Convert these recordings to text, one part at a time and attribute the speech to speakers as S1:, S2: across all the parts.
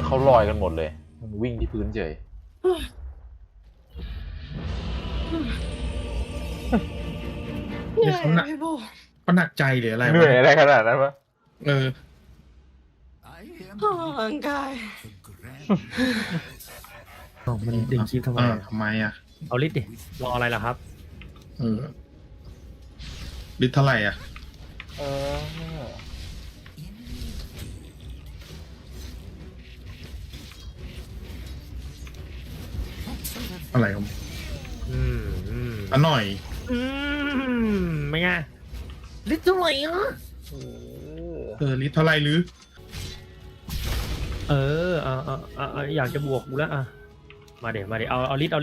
S1: เขาลอยกันหมดเลยมันวิ่งที่พื้นเฉย
S2: เหนื่อยพี่โบ
S3: เขาหนักใจหรืออะไร
S1: เหนื่อยอะไรขนาดนั้นวะ
S2: ร่างกาย
S4: มันดึงคลิปทำไม
S3: ทำไมอ่ะ
S4: เอาลิสต์ดิรออะไรล่ะครับ
S3: ลิตรเท่าไหร่อ่ะ
S1: เออ
S3: อะไรครับอันหน่อย
S4: ไม่ไงลิสต์เท่าไหร่อ่ะ
S3: ลิตรเท่าไหร่หรือ
S4: อยากจะบวกกูแล้วอ่ะมาเดี๋ยวเอาลิสต์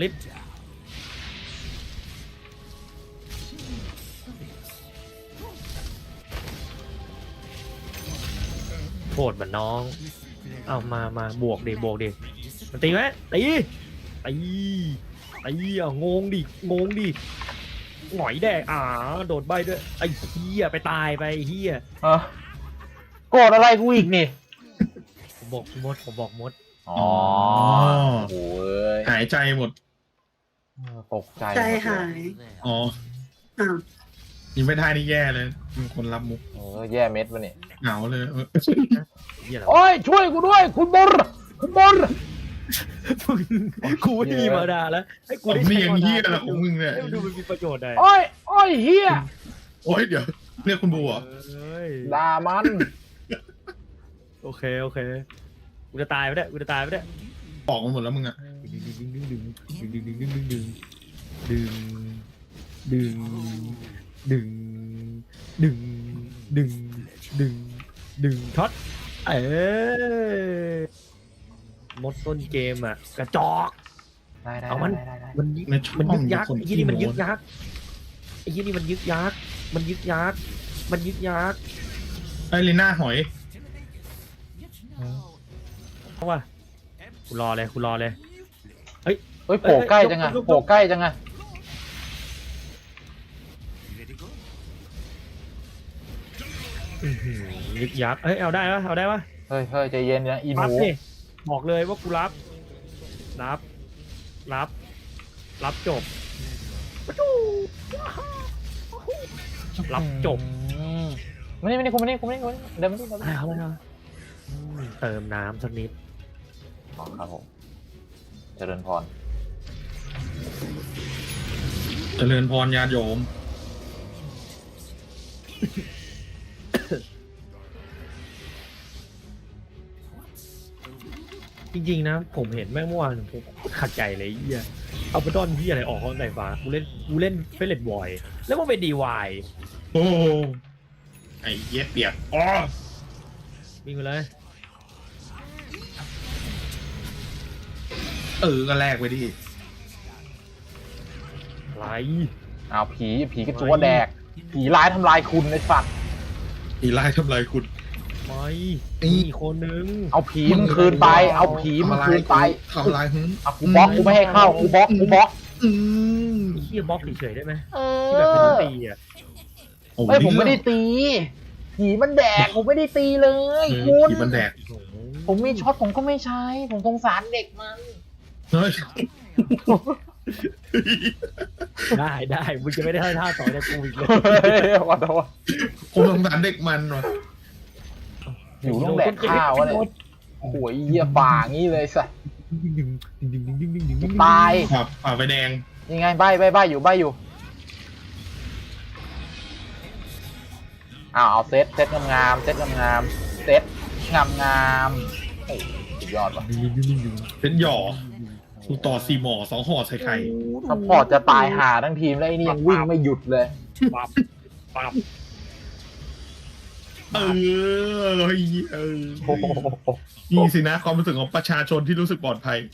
S4: โทษมันน้องเอามาบวกดิมันตีไหมตีเอางงดิหงอยแดกโดดใบด้วยไอ้เหี้ยไปตายไปเหี้ย
S1: โกรธอะไรกูอีกนี่
S4: ผมบอกมด
S1: อ๋อโอ้ย
S3: หายใจหมด
S1: ตกใจ
S2: ใจหาย
S3: อ๋อ
S2: อ้าว
S3: ยิงไม่ได้นี่แย่เลยมีคนรับมุก
S1: แย่เม็ดวะนี่
S3: เหงาเลย
S4: เหี้ยอะไร
S1: โอ้ยช่วยกูด้วยคุณบอล
S4: กูไม่มีมาด่าแล้วให้กู
S3: ผม
S4: ได้
S3: นี่
S4: ใช้
S3: ยัง
S4: มา
S3: เฮี้ย
S4: ด่า
S3: ละของมึงเนี่ย
S4: ให้มันดูมันมีประโยชน์ได้
S1: โอ้ยเฮีย
S3: โอ้ยเดี๋ยวเรียกคุณบัว
S1: ด่ามัน
S4: โอเคกูจะตายไปได้
S3: ปอกมันหมดแล้วมึงอ่ะ
S4: ดึงช็อตมดต้นเกมอ่ะกระจอก
S1: ได้
S4: เอามันยึกยักไอ้ยี่นี่มันยึกยัก
S3: ไอ้ลีน่าหอย
S4: เพราะว่ากูรอเลย
S1: เฮ้ยโผล่ใกล้จังอะ
S4: ยึกยักเอาได้ปะ
S1: เฮ้ยใจเย็นนะอีห
S4: รับ
S1: นู
S4: ดิบอกเลยว่ากูรับจบ
S1: ไม่ได้กูเดินมาดิ
S4: เอาเติมน้ำสักนิด
S1: ครับผมเจริญพร
S3: เจริญพรญาติโยม
S4: จริงๆนะผมเห็นแม่งเมื่อวานผมขัดใจเลยเหี้ยเอาไปดอนที่อะไรออกข้างในฟ้ากูเล่นเฟลเลตบอยแล้วมันเป็นดีวาย
S3: โอ้ไอ้เย็ดเปียกอ๋อ
S4: วิ่งไปเลย
S3: ก็แลกไปดิ
S4: อะไร
S1: อ้าวผีกระจัวแดกผีร้ายทำลายคุณไอ้สัตว์
S3: อีไล่ทำลายคุณ
S4: ไม่มีคนนึง
S1: เอาผีมึงคืนไป
S3: ทำลายหึ
S1: กูบล็อกกูไม่ให้เข้ากูบล็อก
S4: เฮียบล็อกเฉยๆได้ไหม
S1: เอ
S4: ที่แบบไม่ต้องตีอ่ะ
S1: ไม่ผมไม่ได้ตีผีมันแดกผมไม่ได้ตีเลยคุณ
S3: ผีมันแดก
S1: ผมมีช็อตผมก็ไม่ใช้ผมสงสารเด็กมัน
S3: เฮ้ย
S4: ได้มึงจะไม่ได้ให้ท่าต่อจากกูอีกเลย
S1: ขอโทษ
S3: ผมสงสารเด็กมันว่ะ
S1: อยู่ต้องแดกข้าวอะไรหวยเหี้ยป่างี้เลยสัสตาย
S3: ฝ่าไฟแดง
S1: ยังไงใบอยู่เอาเซตงามเซตงามโอ้สุดยอดว่ะ
S3: เป็นหย่อกูต่อ4 หมอ 2 ห่อใส่ไข่
S1: ซัพพอร์ตจะตายหาทั้งทีมแล้วไอ้นี่ยังวิ่งไม่หยุดเลย
S4: ปั๊บ
S3: นี่สินะความรู้สึกของประชาชนที่รู้สึกปลอดภัย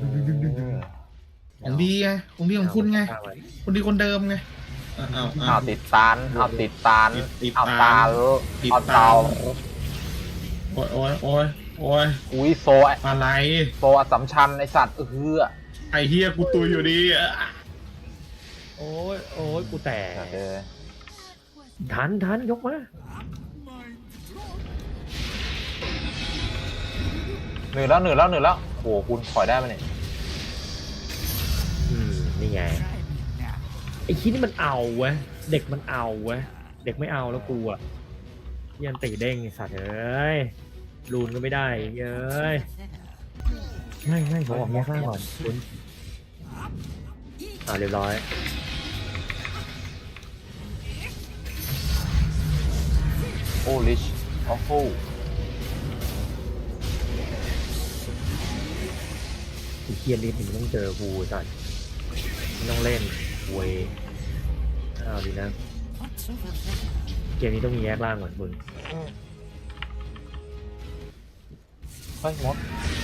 S3: ของดีไงของดีของคุณไงคนดีคนเดิมไง
S1: เอาติดตานเอาตา
S3: โอ้ย
S1: อุ้ยโซ
S3: อะไร
S1: อสัมชัญไอสัตว์
S3: ไอเฮียกูตุยอยู่ดี
S4: โอ้ยกูแตก ทันยกมา
S1: เหนื่อยแล้วเหนื่อยแล้วเหนื่อยแล้วโอ้โหคุณถอยได้ไหมเนี่ย
S4: นี่ไงไอ้คิดนี่มันเอาเว้ยเด็กมันเอาเว้ยเด็กไม่เอาแล้วกูอ่ะยันตีเด้งไอ้สัตว์เอ้ยรูนก็ไม่ได้เอ้ยง่ายผมออกแยกล่างก่อนคุณเรียบร้อย
S1: โอ้ลิชโอ้โห
S4: ไอ้เคียนลิฟต์มันต้องเจอกูสัตว์ไม่ต้องเล่นเวยเอาดีนะเกมนี้ต้องมีแยกล่างก่อนมึง
S1: เฮ้ยมด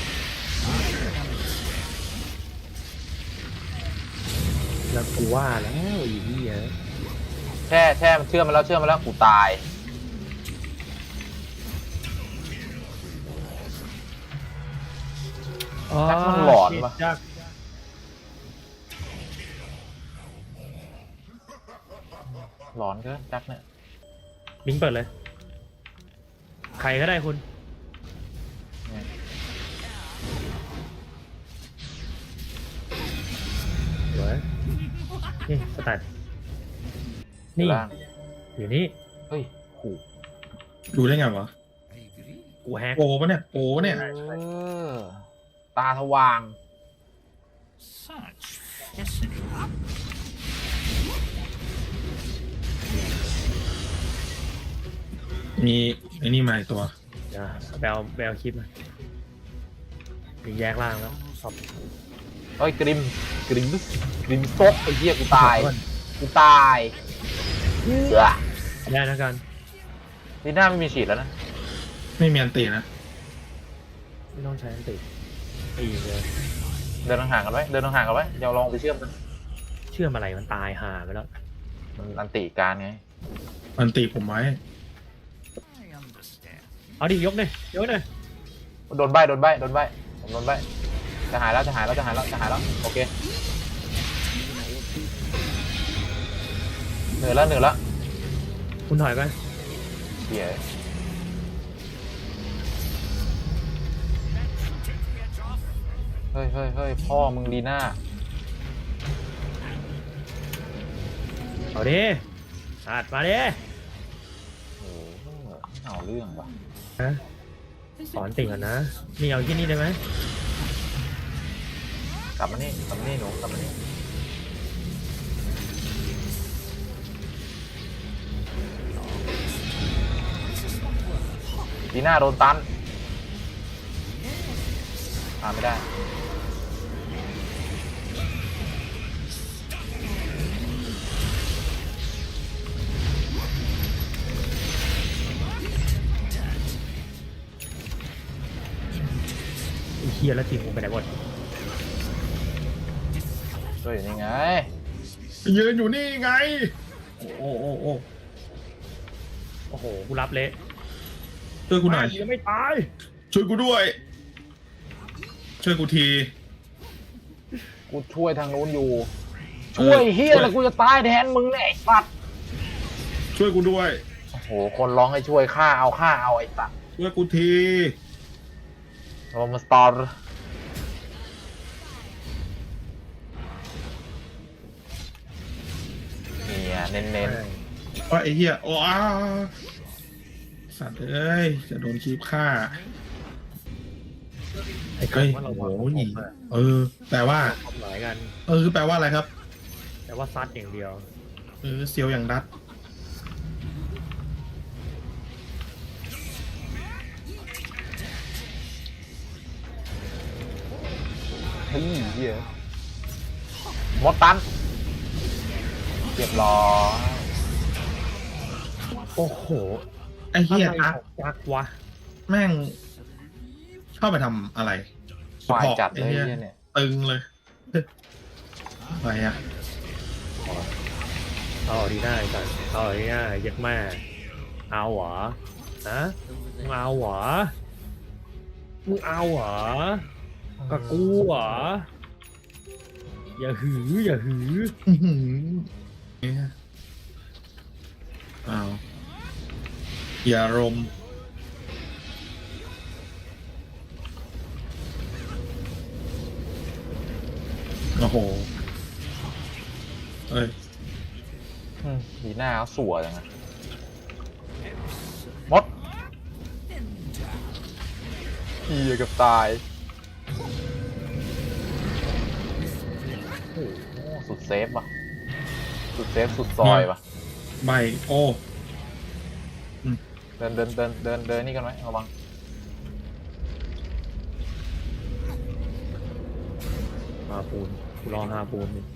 S4: แล้วกูว่าแล้วอีนี่ฮะ
S1: แช่มันเชื่อมมาแล้วกูตายแจ็คมันหลอนปะหลอนก็แจ็คเนี่ย
S4: มิงเปิดเลย ใครก็ได้คุณเฮ้ยนี่สแตทนี่
S1: ล่าง
S4: อยู่นี่
S1: เฮ้ยหู
S3: ดูได้ไงวะ
S4: กูแฮก
S3: โปปะเนี่ยโปปะเนี่ย
S1: ตาสว่าง
S3: มีไอ้นี่มาอีกตัว
S4: แบลคลิปมามีแยกล่างแล้วสอบ
S1: เฮ้ยกริมซกไอ้เหี้ยกูตายเหี้ย
S4: ได้นะกัน
S1: นี่หน้าไม่มีฉีดแล้วนะ
S3: ไม่มีอันตีนะ
S4: ไม่ต้องใช้อันติตีเลย
S1: เดินห่างๆกันไว้เดี๋ยวลองไปเชื่อมกัน
S4: เชื่อมอะไรมันตายห่าไปแล้ว
S1: มันอันติการไง
S3: อันตีผมไว้
S4: เอาดิยกเลย
S1: โดนใบผมโดนใบจะหายแล้วโอเคเหนื่อยแล้ว
S4: คุณถอยไป
S1: เหี้ยเฮ้ยพ่อมึงลีน่า
S4: เอาดิอัดมาดิ
S1: โอ้โหเอาเรื่องว่ะ
S4: ฮะสอนติ่งก่อนนะนี่เอาที่นี่ได้ไหม
S1: กลับมานี่หนูกลับมานี่ลีน่าโดนตันไม่ได้
S4: ไอ้เคียแล้วทีมกูไปไหนหมด
S1: ช่วยอยู่นี่ไง
S3: ยืนอยู่นี่ไง โอ้
S4: โอ้โหกูรับเละ
S3: ช่วยกูหน่อย
S4: ยังไม่ตาย
S3: ช่วยกูด้วย ช่วยกูที
S1: กูช่วยทางนู้นอยู่ ช่วยเฮียแล้วกูจะตายแทนมึงเนี่ยไอ้สัตว์
S3: ช่วยกูด้วย
S1: โอ้โหคนร้องให้ช่วยฆ่าเอาไอ้สัตว์
S3: ช่วยกูที
S1: เรามาสตอร์เนี่ยเน้น
S3: ว่าไอ้เหี้ยโอ้อาสัตว์เอ้ยจะโดนคีบฆ่า
S4: ไอ้
S3: เฮ้ย
S4: คำว่าเรา
S3: โอ้
S4: วาง
S3: โห
S4: ผม
S3: หนี
S4: อะ
S3: แปลว่า
S4: ความหมายกัน
S3: แปลว่าอะไรครับ
S4: แต่ว่าซัดอย่างเดียว
S3: เซียวอย่างดัด
S1: เฮ้ยเฮียมดตันเรียบร้อย
S4: โอ้โห
S3: ไอ้เหี้ย
S4: อะไร
S3: ตั๊ก
S4: ของจักวะ
S3: แม่งชอบไปทำอะไร
S1: ฝ่ายจัด
S3: ไอ้
S1: เลย
S3: เหี้ย
S1: เฮียเนี่ย
S3: ตึงเลยอะไรอ่ะ
S4: เอาดีได้ก่อนเอาดีได้ยัดแม่เอาเหรอฮะมึงเอาเหรอกับกูเหรออย่าหือ
S3: อื้อหือเนี่ยอ้าวอย่ารมโอ้โหเอ้ย
S1: ดีหน้าเขาสัวจังนะมดเฮียเกับตายโอ้โหสุดเซฟว่ะสุดเซฟสุดซอยว่ะ
S3: ใบโอ้
S1: เดินนี่กันไหมระวัง
S4: ฮาปูนกูรอฮาปูนนี่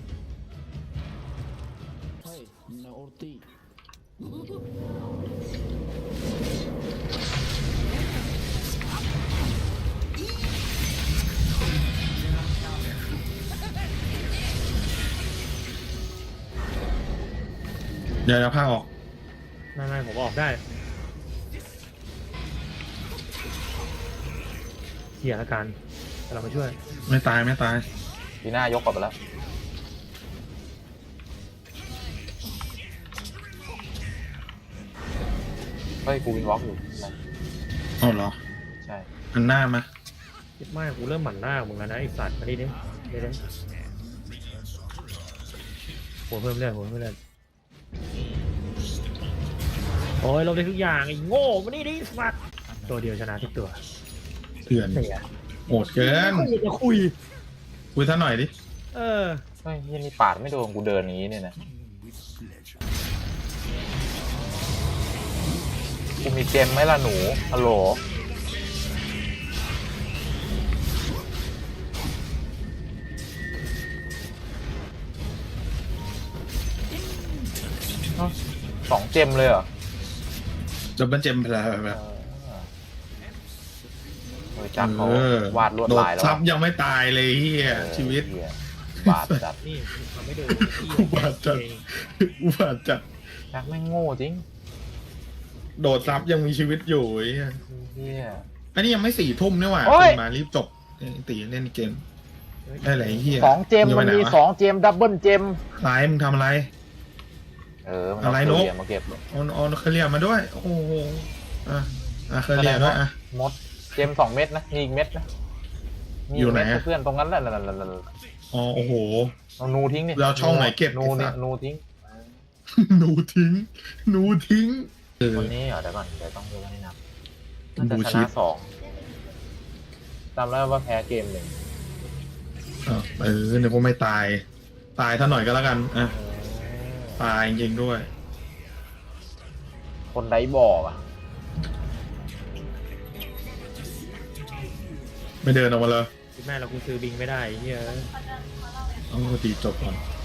S3: เดี๋ยวจะพาออก
S4: ไม่ผมออกได้เหี้ยละกันแต่เรามาช่วย
S3: ไม่ตายไม่ตาย
S1: ดีหน้ายกกลับไปแล้วเฮ้ยกูวินวอล์กอยู่นะ
S3: เอาเหรอ
S1: ใช่
S3: อันหน้ามา
S4: คิดมากกูเริ่มหมั่นหน้ามึงแล้วนะไอสัตว์มาดิหัวเพิ่มเลือดโอ้ยเราได้ทุกอย่างไอ้โง่มาดิสัตว์ตัวเดียวชนะทุกตัว
S3: เถื่อน
S4: เสีย
S3: โหดเกิน
S4: จะคุย
S3: คุยซะหน่อยดิ
S4: เออ
S1: เฮ้ยยันนี่ปาดไม่โดนกูเดินนี้เนี่ยนะกูมีเจมไหมล่ะหนูฮัลโหลเอ้า2 เจมเลยเหรอ
S3: ดับเบิลเจมพลา
S1: เฮ้ยจักเขาวาดลวด
S3: โดด
S1: ลายแล้ว
S3: ซับยังไม่ตายเลยเฮียชีวิต
S1: เหี้ยบาดจัด
S4: นี่ทำไม่ดู
S3: อุบาทจัดอุบาทจัด
S1: จักไม่งโง่จริง
S3: โดดซับยังมีชีวิตอยู่ไอ้เฮีย
S1: เฮีย
S3: อันนี้ยังไม่4 ทุ่มนี่หว่า
S1: โอ้ย
S3: คุณมารีบจบตีเล่นเกมได้ไหนเฮีย
S1: 2 เจมมันมี 2 เจมดับเบิลเจม
S3: ไลน์มึงทำอะไร
S1: มัน
S3: อะไร
S1: เอา
S3: นก
S1: เรียมาเก็บ
S3: เอาเคลียร์มาด้วย โอ้โหเคลียร์ด้วย
S1: มดเจม2 เม็ดนะมีอีกเม็ดนะมี
S3: อยู่ไหน
S1: เม็ด
S3: อะ
S1: เพื่อนตรงนั้นแหละ
S3: อ๋อโอ้โห
S1: เอานูทิ้งนี่
S3: แล้วช่องไหนเก็บ
S1: นู
S3: ไอ้สั
S1: นี่
S3: ตว์
S1: นูทิ้ง
S3: หนูทิ้ง
S1: คนนี้เหรอเดี๋ยวก่อนเดี๋ยวต้องดูให้นับ
S3: บู
S1: น่าจะช
S3: ชิ
S1: นะ
S3: ป
S1: 2จำได้ว่าแพ้เกม 1
S3: เดี๋ยวคงไม่ตายท่าหน่อยก็แล้วกันตายจริงๆด้วย
S1: คนไดบอกอ่ะ
S3: ไม่เดินออกมาเลย
S4: แม่เรากูซื้อบิงไม่ได้เฮีย
S3: ต้องตีจบก่อน